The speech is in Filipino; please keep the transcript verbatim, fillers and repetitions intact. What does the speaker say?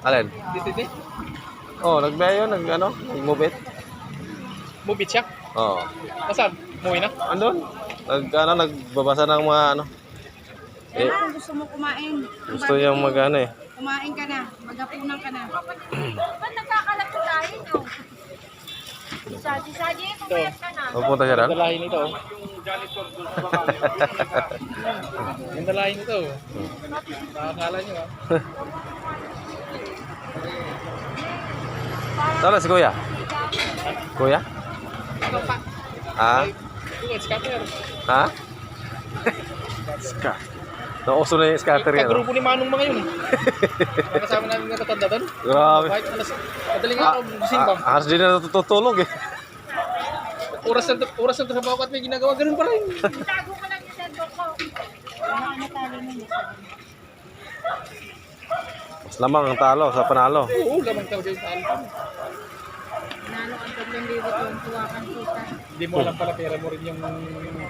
Alin? Dito, dito. Oh, nagbiyahe yun, nag ano, nag-move it. Move it siya. Oo. Nasaan? Muwi na? Andun? Nag, ano, nagbabasa ng mga ano. Eh, kung gusto mo kumain. Ang Gusto niyang mag ano eh. Kumain ka na. Magapunan ka na. Ba't nagkakalap ko tayo, no? Sadi-sadi, pumayat ka na. Pupunta siya rin? Yung dalahin nito. oh. Yung dalahin nito. oh. Nakakala nyo ah. Saan na si Kuya? Kuya? Ano pa? Ha? Yung scatter. Ha? Ska. Nauso na yung scatter yan. Kagrupo ni Manong mga yun. Nakasama namin nga tatanda doon. Grabe. Kahit alas, madaling araw, gising pa. Ah, Halos din na natutulog eh. Oras na, oras na to sa bawat may ginagawa, ganun pa rin. Tago ko lang yung sendo ko. Wala ka na talo mo. Mas lamang ang talo sa panalo. Oo, lamang talaga yung talo. Nalo ang tatlong libo tuwang tuwa kang kita. Hindi mo alam pala, pera mo rin yung